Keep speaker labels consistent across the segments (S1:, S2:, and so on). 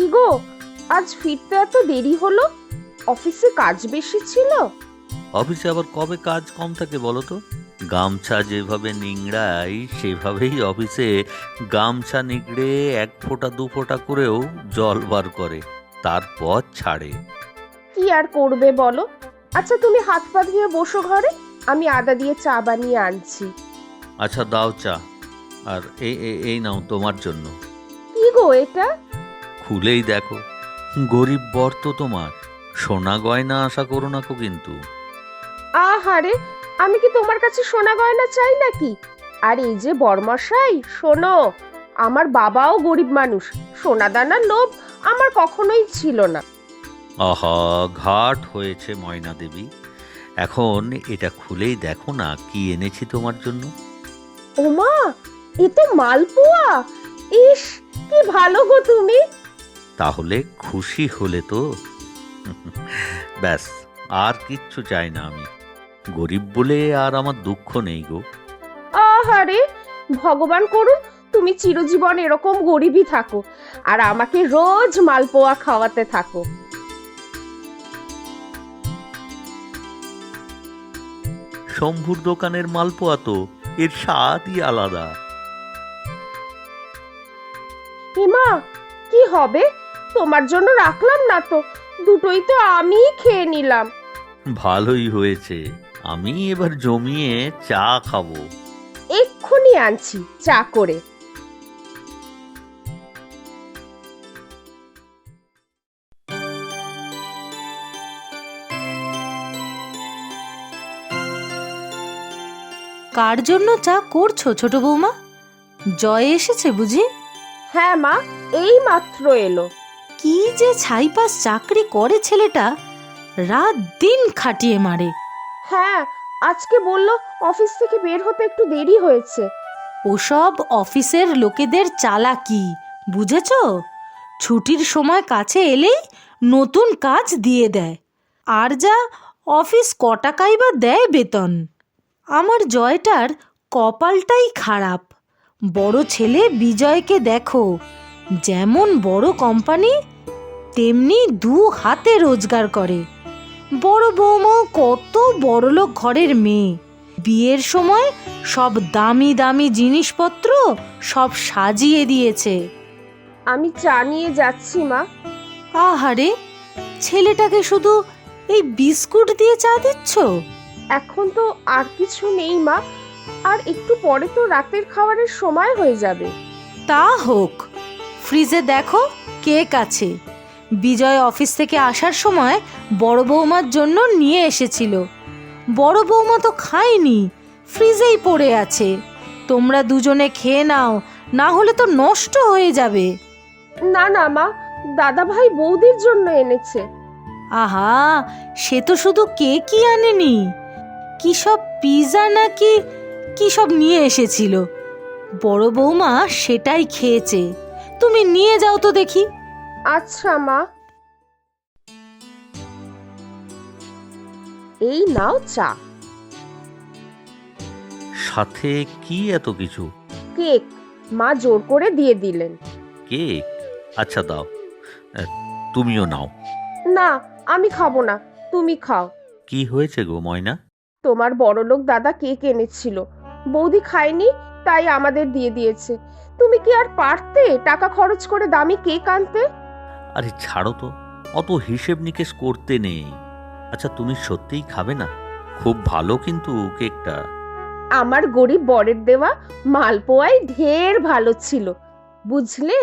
S1: কি গো, আজ ফিরতে এত দেরি হলো? অফিসে কাজ বেশি ছিল?
S2: অফিসে আবার কবে কাজ কম থাকে বলো তো? গামছা যেভাবে নিংড়াই সেভাবেই অফিসে গামছা নিংড়ে 1 ফোঁটা 2 ফোঁটা করেও জল বার করে, তারপর ছাড়ে।
S1: কি আর করবে বলো। আচ্ছা, তুমি হাত পা ধুয়ে বসো ঘরে, আমি আদা দিয়ে চা বানিয়ে আনছি।
S2: আচ্ছা দাও চা। আর এই নাও তোমার জন্য।
S1: কি গো এটা?
S2: খুলেই দেখো। গরিব বর তো তোমার। সোনা গয়না আশা করো না কো কিন্তু।
S1: আহারে, আমি কি তোমার কাছে সোনা গয়না চাই নাকি? আর এই যে বরমশাই, শোনো, আমার বাবাও গরিব মানুষ, সোনা দানার লোভ আমার কখনোই ছিল না।
S2: আহা, ঘাট হয়েছে ময়না দেবী। এখন এটা খুলেই দেখো না কি এনেছি তোমার জন্য।
S1: ওমা, এ তো মালপোয়া! ইস, কি ভালো গো তুমি।
S2: তাহলে খুশি হলে তো? ব্যাস, আর কিচ্ছু চাই না আমি। গরিব বলে আর আমার দুঃখ নেই গো।
S1: আহারে, ভগবান করুন তুমি চিরজীবন এরকম গরিবই থাকো, আর আমাকে রোজ মালপোয়া খাওয়াতে থাকো।
S2: শম্ভুর দোকানের মালপোয়া তো, এর স্বাদই আলাদা।
S1: হিমা, কি হবে? তোমার জন্য রাখলাম না তো, দুটোই তো আমিই খেয়ে নিলাম।
S2: ভালোই হয়েছে, আমি এবার জমিয়ে চা খাবো।
S1: এক্ষুনি আনছি চা করে।
S3: কার জন্য চা করছো ছোট বৌমা? জয় এসেছে বুঝি?
S1: হ্যাঁ মা, এই মাত্র এলো।
S3: কি যে ছাইপাস চাকরি করে ছেলেটা, রাত দিন খাটিয়ে মারে।
S1: হ্যাঁ, আজকে বললো অফিস থেকে বের হতে একটু দেরি হয়েছে।
S3: ওসব অফিসের লোকেদের চালাকি, বুঝেছো? ছুটির সময় কাছে এলেই নতুন কাজ দিয়ে দেয়। আর যা অফিস ক টাকাই বা দেয় বেতন। আমার জয়টার কপালটাই খারাপ। বড় ছেলে বিজয়কে দেখো, যেমন বড় কোম্পানি তেমনি 2 হাতে রোজগার করে। বড় বৌমাও কত বড়লোক ঘরের মেয়ে, বিয়ের সময় সব দামি দামি জিনিসপত্র সব সাজিয়ে দিয়েছে।
S1: আমি চা নিয়ে যাচ্ছি মা।
S3: আহারে, ছেলেটাকে শুধু এই বিস্কুট দিয়ে চা দিচ্ছ?
S1: এখন তো আর কিছু নেই মা, আর একটু পরে তো রাতের খাবারের সময় হয়ে যাবে।
S3: তা হোক, ফ্রিজে দেখো কেক আছে। বিজয় অফিস থেকে আসার সময় বড় বৌমার জন্য নিয়ে এসেছিল। বড় বৌমা তো খায়নি, ফ্রিজেই পড়ে আছে। তোমরা দুজনে খেয়ে নাও, না হলে তো নষ্ট হয়ে যাবে।
S1: না না মা, দাদা ভাই বৌদির জন্য এনেছে।
S3: আহা, সে তো শুধু কেকই আনেনি, কি সব পিৎজা নাকি কি সব নিয়ে এসেছিল। বড় বৌমা সেটাই খেয়েছে। তুমি নিয়ে যাও তো দেখি।
S1: আচ্ছা মা, এই নাও চা।
S2: সাথে কি এত কিছু?
S1: কেক, মা জোর করে দিয়ে দিলেন।
S2: কেক? আচ্ছা দাও। আহ, তুমিও নাও।
S1: না, আমি খাবো না, তুমি খাও।
S2: কি হয়েছে গো ময়না?
S1: তোমার বড়লোক দাদা কেক এনেছিল, বৌদি খায়নি, তাই আমাদের দিয়ে দিয়েছে। তুমি কি আর পারতে টাকা খরচ করে দামি কেক আনতে?
S2: আরে ছাড়ো তো, অত হিসেব নিকেশ করতে নেই। আচ্ছা তুমি সত্যিই খাবে না? খুব ভালো কিন্তু কেকটা।
S1: আমার গরিব বরের দেওয়া মালপোয়াই ঢের ভালো ছিল, বুঝলে?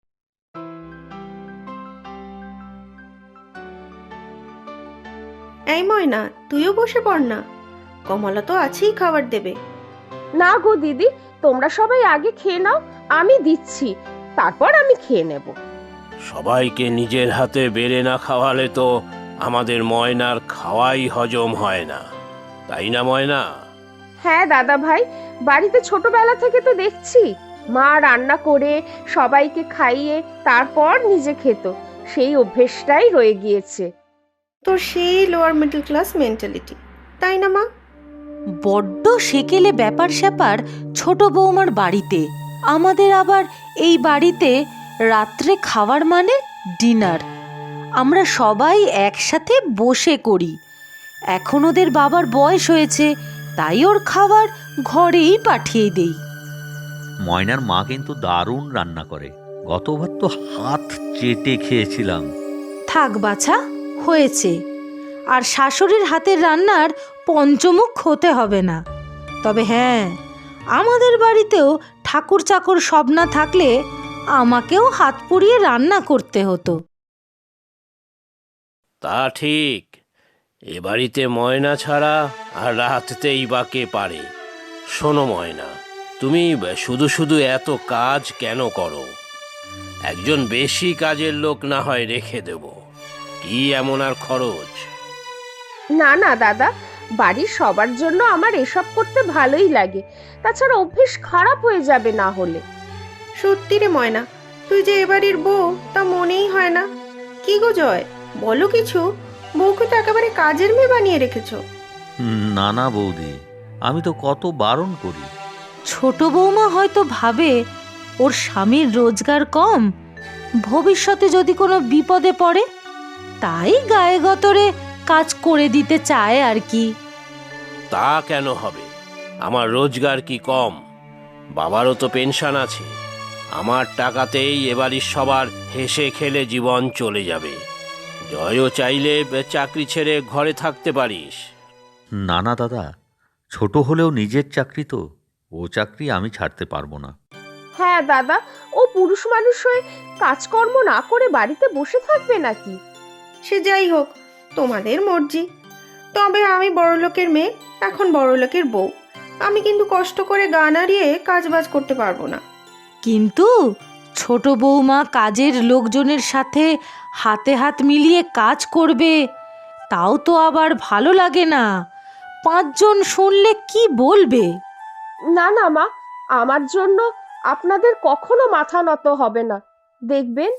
S4: এই ময়না, তুইও বসে পড় না, কমলা তো আছেই খাবার দেবে।
S1: না গো দিদি, তোমরা সবাই আগে খেয়ে নাও, আমি দিচ্ছি, তারপর আমি খেয়ে নেব।
S5: সবাইকে নিজের হাতে বেড়ে না খাওয়ালে তো আমাদের ময়নার খাওয়াই হজম হয় না, তাই না ময়না?
S1: হ্যাঁ দাদা ভাই, বাড়িতে ছোটবেলা থেকে তো দেখছি মা রান্না করে সবাইকে খাইয়ে তারপর নিজে খেত, সেই অভ্যেসটাই রয়ে গিয়েছে।
S4: তোর সেই লোয়ার মিডল ক্লাস মেন্টালিটি, তাই না মা?
S3: বড্ড সেকেলে ব্যাপার স্যাপার ছোট বৌমার বাড়িতে। আমাদের আবার এই বাড়িতে রাত্রে খাওয়ার মানে ডিনার। আমরা সবাই একসাথে বসে করি। এখন ওদের বাবার বয়স হয়েছে, তাই ওর খাবার ঘরেই পাঠিয়ে দেই।
S2: ময়নার মা কিন্তু দারুণ রান্না করে, গতবার তো হাত চেটে খেয়েছিলাম।
S3: থাক বাছা, হয়েছে। আর শাশুড়ির হাতের রান্নার পঞ্চমুখ হতে হবে না। তবে হ্যাঁ, আমাদের বাড়িতেও ঠাকুর চাকর সব না থাকলে আমাকেও হাত পুড়িয়ে রান্না করতে হতো।
S5: তা ঠিক, এ বাড়িতে ময়না ছাড়া আর রাততেই বা কে পারে। শোনো ময়না, তুমি শুধু শুধু এত কাজ কেন করো? একজন বেশি কাজের লোক না হয় রেখে দেব, কি এমন আর খরচ?
S1: না না দাদা, বাড়ির সবার জন্য আমার এসব করতে ভালোই লাগে। তাছাড়া অভ্যেস খারাপ হয়ে যাবে না হলে।
S4: সত্যি রে ময়না, তুই যে এবাড়ির বউ তা মনেই হয় না। কি গো জয়, বলো কিছু। বউকে তো একেবারে কাজের মেয়ে বানিয়ে রেখেছো।
S2: না না বৌদি, আমি তো কত বারণ করি।
S3: ছোট বৌমা হয়তো ভাবে ওর স্বামীর রোজগার কম, ভবিষ্যতে যদি কোনো বিপদে পড়ে, তাই গায়ে গতরে কাজ করে দিতে চায় আর কি।
S5: তা কেন হবে? আমার রোজগার কি কম? বাবারও তো পেনশন আছে। আমার টাকাতেই এবারই সবার হেসে খেলে জীবন চলে যাবে। জয়ও চাইলে চাকরি ছেড়ে ঘরে থাকতে পারিস।
S2: না না দাদা, ছোট হলেও নিজের চাকরি তো, ও চাকরি আমি ছাড়তে পারবো না।
S1: হ্যাঁ দাদা, ও পুরুষ মানুষ হয়ে কাজকর্ম না করে বাড়িতে বসে থাকবে নাকি?
S4: সে যাই হোক, তোমাদের মর্জি। তবে আমি বড়লোকের মেয়ে, এখন বড়লোকের বউ। আমি কিন্তু কষ্ট করে গা নাড়িয়ে কাজ বাজ করতে পারবো না।
S3: কিন্তু ছোট বৌমা কাজের লোকজনের সাথে হাতে হাত মিলিয়ে কাজ করবে, তাও তো আবার ভালো লাগে না। 5 জন শুনলে কি বলবে?
S1: না না মা, আমার জন্য আপনাদের কখনো মাথা নত হবে না, দেখবেন।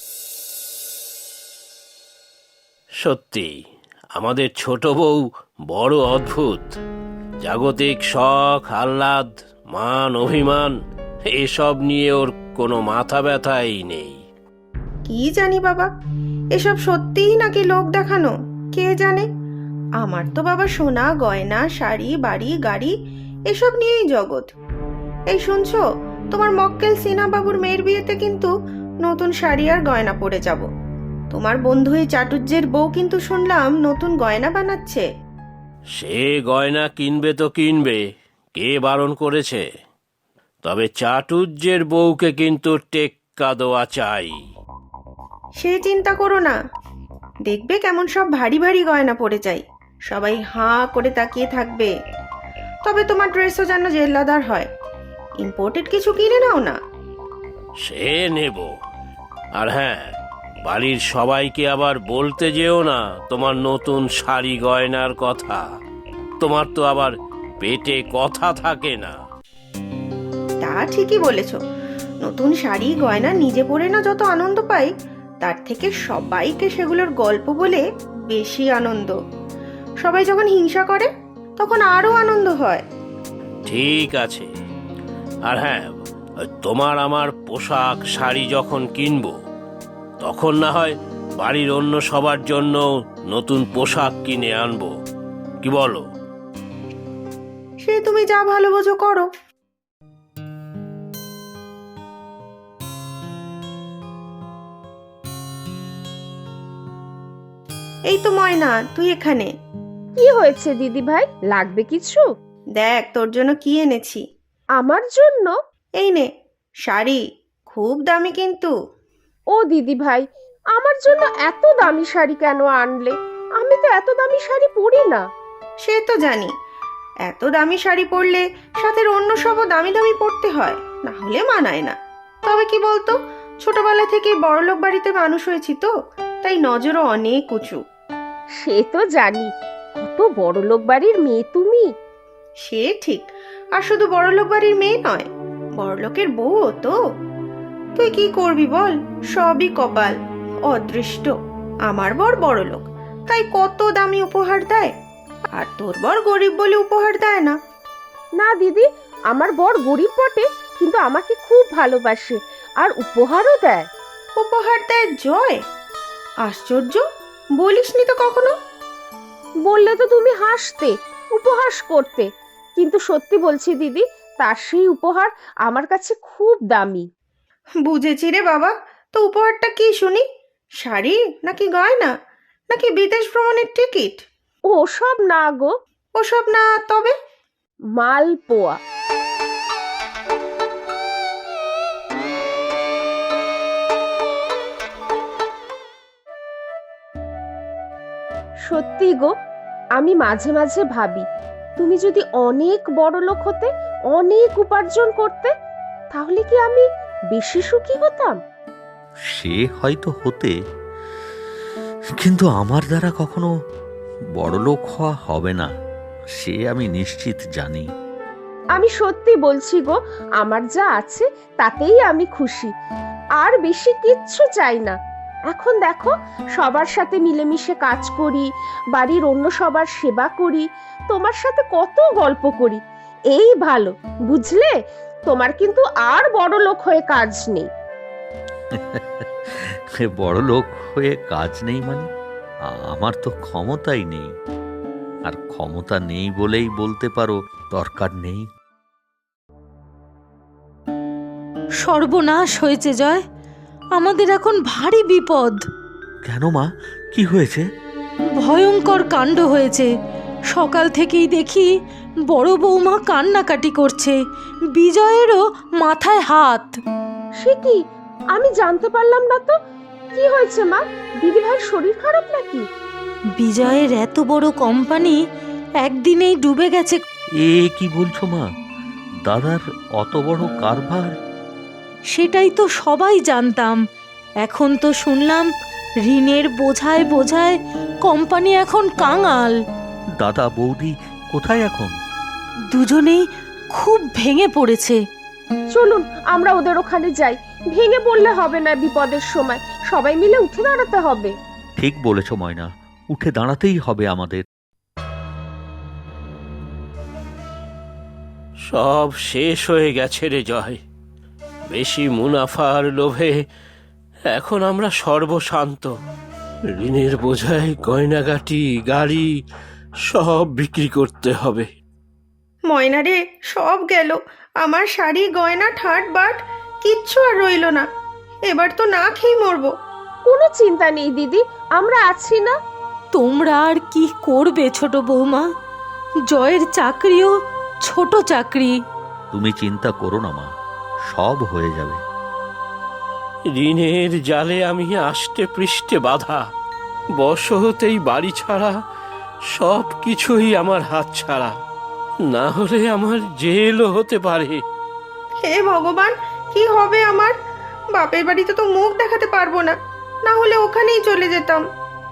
S5: সত্যি আমাদের ছোট বউ বড় অদ্ভুত। জাগতিক শখ আহ্লাদ, মান অভিমান, এসব নিয়ে ওর কোনো মাথা ব্যথাই নেই।
S4: কি জানি বাবা, এসব সত্যিই নাকি লোক দেখানো, কে জানে। আমার তো বাবা সোনা গয়না শাড়ি বাড়ি গাড়ি এসব নিয়েই জগৎ। এই শুনছো, তোমার মক্কেল সিনা বাবুর মেয়ের বিয়েতে কিন্তু নতুন শাড়ি আর গয়না পরে যাব। তোমার বন্ধু এই চাটুর্যের বউ কিন্তু শুনলাম নতুন গয়না বানাচ্ছে।
S5: সে গয়না কিনবে তো কিনবে, কে বারণ করেছে? তবে চাটুর্যের বউকে কিন্তু টেক্কা দেওয়া চাই।
S4: সে চিন্তা করো না, দেখবে কেমন সব ভারী ভারী গয়না পরে যাই, সবাই হাঁ করে তাকিয়ে থাকবে। তবে তোমার ড্রেসও যেন জেল্লাদার হয়, ইম্পোর্টেড কিছু কিনে নাও না।
S5: সে নেব। আর হ্যাঁ, বাড়ির সবাইকে আবার বলতে যেও না তোমার নতুন শাড়ি গয়নার কথা। তোমার তো আবার পেটে কথা থাকে না।
S4: তা ঠিকই বলেছ, নতুন শাড়ি গয়না নিজে পরে না যত আনন্দ পাই, তার থেকে সবাইকে সেগুলোর গল্প বলে বেশি আনন্দ। সবাই যখন হিংসা করে তখন আরো আনন্দ হয়।
S5: ঠিক আছে। আর হ্যাঁ, তোমার আমার পোশাক শাড়ি যখন কিনবো, তখন না হয় বাড়ির অন্য সবার জন্য নতুন পোশাক কিনে আনবো, কি বলো?
S4: সে তুমি যা ভালো বোঝো করো। এই তো ময়না, তুই এখানে।
S1: কি হয়েছে দিদি ভাই, লাগবে কিছু?
S4: দেখ তোর জন্য কি এনেছি।
S1: আমার জন্য?
S4: এই নে শাড়ি, খুব দামি কিন্তু।
S1: ও দিদি ভাই, আমার জন্য এত দামি শাড়ি কেন আনলে? আমি তো এত দামি শাড়ি পরি না।
S4: সে তো জানি, এত দামি শাড়ি পরলে সাথে অন্য সবও দামি দামি পরতে হয়, না হলে মানায় না। তবে কি বলতো, ছোটবেলা থেকে বড়লোক বাড়িতে মানুষ হয়েছি তো, তাই নজরও অনেক উঁচু।
S1: সে তো জানি, কত বড়লোক বাড়ির মেয়ে তুমি।
S4: সে ঠিক, আর শুধু বড়লোক বাড়ির মেয়ে নয়, বড়লোকের বউও তো। তুই কি করবি বল, সবই কপাল, অদৃষ্ট। আমার বর বড়লোক, তাই কত দামি উপহার দেয়, আর তোর বর গরিব বলে উপহার দেয় না।
S1: না দিদি, আমার বর গরিব বটে, কিন্তু আমাকে খুব ভালোবাসে আর উপহারও দেয়।
S4: ও উপহার দেয় জয়? আশ্চর্য, বলিসনি তো কখনো।
S1: বললে তো তুমি হাসতে, উপহাস করতে, কিন্তু সত্যি বলছি দিদি, তার সেই উপহার আমার কাছে খুব দামি।
S4: বুঝেছি রে বাবা, তো উপহারটা কি শুনি? শাড়ি, নাকি গয়না, নাকি বিদেশ ভ্রমণের টিকিট?
S1: ও সব না গো,
S4: ওসব না তবে?
S1: মালপোয়া। সত্যি গো, আমি মাঝে মাঝে ভাবি, তুমি যদি অনেক বড় লোক হতে, অনেক উপার্জন করতে, তাহলে কি আমি বেশি সুখী হতাম?
S2: সে হয়তো হতে, কিন্তু আমার দ্বারা কখনো বড়লোক হওয়া হবে না, সে আমি নিশ্চিত জানি।
S1: আমি সত্যি বলছি গো, আমার যা আছে তাতেই আমি খুশি, আর বেশি কিচ্ছু চাই না। এখন দেখো, সবার সাথে মিলেমিশে কাজ করি, বাড়ির অন্য সবার সেবা করি, তোমার সাথে কত গল্প করি, এই ভালো, বুঝলে? তোমার কিন্তু আর বড় লোক হয়ে কাজ নেই।
S2: বড়লোক হয়ে কাজ নেই মানে? আমার তো ক্ষমতাই নেই, আর ক্ষমতা নেই বলেই বলতে পারো দরকার নেই।
S3: সর্বনাশ হয়েছে জয়, আমাদের এখন ভারী বিপদ।
S2: কেন মা, কি হয়েছে?
S3: ভয়ঙ্কর কাণ্ড হয়েছে। সকাল থেকেই দেখি বড় বৌমা কান্নাকাটি করছে, বিজয়েরও মাথায় হাত।
S1: সে কি? আমি জানতে পারলাম না তো। কি হয়েছে মা? দিদি ভাইয়ের শরীর খারাপ নাকি?
S3: বিজয়ের এত বড় কোম্পানি একদিনেই ডুবে গেছে।
S2: এ কি বলছো মা? দাদার অত বড় কারবার?
S3: সেটাই তো সবাই জানতাম, এখন তো শুনলাম ঋণের বোঝায় বোঝায় কোম্পানি এখন কাঙাল।
S2: দাদা বৌদি কোথায় এখন?
S3: দুজনেই খুব ভেঙে পড়েছে।
S1: চলুন আমরা ওদের ওখানে যাই। ভেঙে পড়লে হবে না, বিপদের সময় সবাই মিলে উঠে দাঁড়াতে হবে।
S2: ঠিক বলেছ ময়না, উঠে দাঁড়াতেই হবে আমাদের।
S5: সব শেষ হয়ে গেছে রে জয়। বেশি মুনাফার লোভে এখন আমরা সর্বশান্ত। ঋণের বোঝায় গয়নাগাটি, গাড়ি সব বিক্রি করতে হবে।
S4: ময়না রে, সব গেল। আমার শাড়ি, গয়না, ঠাট বাট কিচ্ছু আর রইল না। এবার তো না খেয়ে মরবো।
S1: কোনো চিন্তা নেই দিদি, আমরা আছি না।
S3: তোমরা আর কি করবে ছোট বৌমা? জয়ের চাকরিও ছোট চাকরি।
S2: তুমি চিন্তা করো না মা, সব হয়ে যাবে।
S5: ঋণের জালে আমি আষ্টে পৃষ্ঠে বাঁধা। বশতেই বাড়ি ছাড়া, সব কিছুই আমার হাত ছাড়া। না হলে আমার জেলও হতে পারে।
S4: হে ভগবান, কি হবে আমার? বাপের বাড়িতে তো মুখ দেখাতে পারবো না, না হলে ওখানেই চলে যেতাম।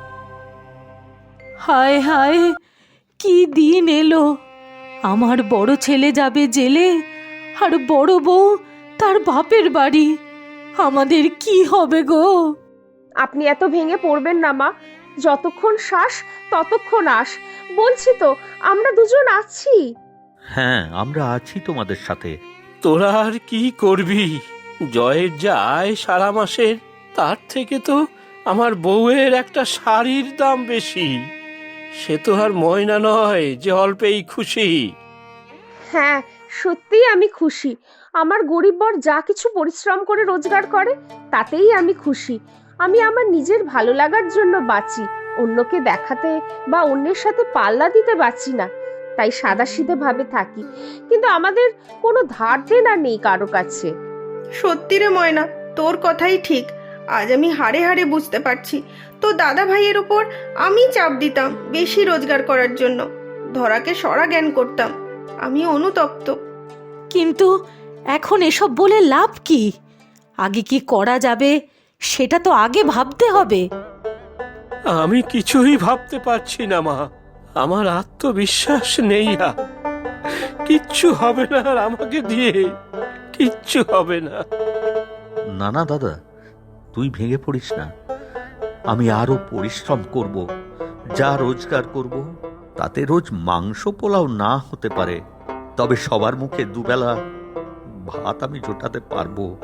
S3: হায় হায়, কি দিন এলো! আমার বড় ছেলে যাবে জেলে, আর বড় বউ তার বাপের বাড়ি। আমাদের কি হবে গো?
S1: আপনি এত ভেঙে পড়বেন না মা, যতক্ষণ শ্বাস ততক্ষণ আস। বলছি তো, আমরা দুজন আছি।
S2: হ্যাঁ, আমরা আছি তোমাদের সাথে।
S5: তোরা আর কি করবি? জয়ের যা আয় সারা মাসের, তার থেকে তো আমার বউয়ের একটা শাড়ির দাম বেশি। সে তো আর ময়না নয় যে অল্পেই খুশি।
S1: হ্যাঁ, সত্যিই আমি খুশি। আমার গরিব বর যা কিছু পরিশ্রম করে রোজগার করে, তাতেই আমি খুশি। আমি আমার নিজের ভালো লাগার জন্য বাঁচি, অন্যকে দেখাতে বা অন্যের সাথে পাল্লা দিতে বাঁচি না। তাই সাদাসিধে ভাবে থাকি, কিন্তু আমাদের কোনো ধার দেনা নেই কারো কাছে।
S4: সত্যি রে ময়না, তোর কথাই ঠিক। আজ আমি হাড়ে হাড়ে বুঝতে পারছি, তো দাদা ভাইয়ের উপর আমি চাপ দিতাম বেশি রোজগার করার জন্য, ধরাকে সরা জ্ঞান করতাম। আমি অনুতপ্ত।
S3: কিন্তু এখন এসব বলে লাভ কি? আগে কি করা যাবে সেটা তো আগে ভাবতে হবে।
S5: আমি কিছুই ভাবতে পারছি না মা। আমার আত্মবিশ্বাস নেই আর। কিচ্ছু হবে না আর আমাকে দিয়ে, কিচ্ছু হবে না।
S2: না না দাদা, তুই ভেঙে পড়িস না। আমি আরো পরিশ্রম করব, যা রোজগার করব তাতে রোজ মাংস পোলাও না হতে পারে, তবে সবার মুখে দুবেলা ভাত আমি জোটাতে পারবো।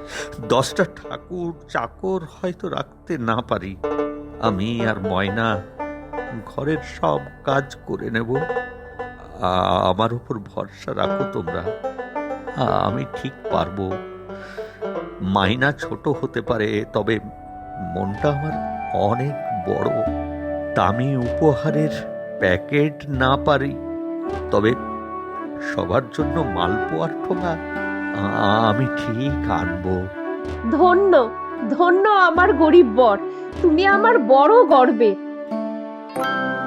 S2: 10টা ঠাকুর চাকর হয়তো রাখতে না পারি, আমি আর ময়না ঘরের সব কাজ করে নেব। আমার উপর ভরসা রাখো তোমরা, আমি ঠিক পারবো। মাইনা ছোট হতে পারে, তবে মনটা আমার অনেক বড়। দামি উপহারের প্যাকেট না পারি, তবে সবার জন্য মালপোয়ার ঠোঙা আমি ঠিক আনবো।
S1: ধন্য ধন্য আমার গরিব বর, তুমি আমার বড় গর্বে।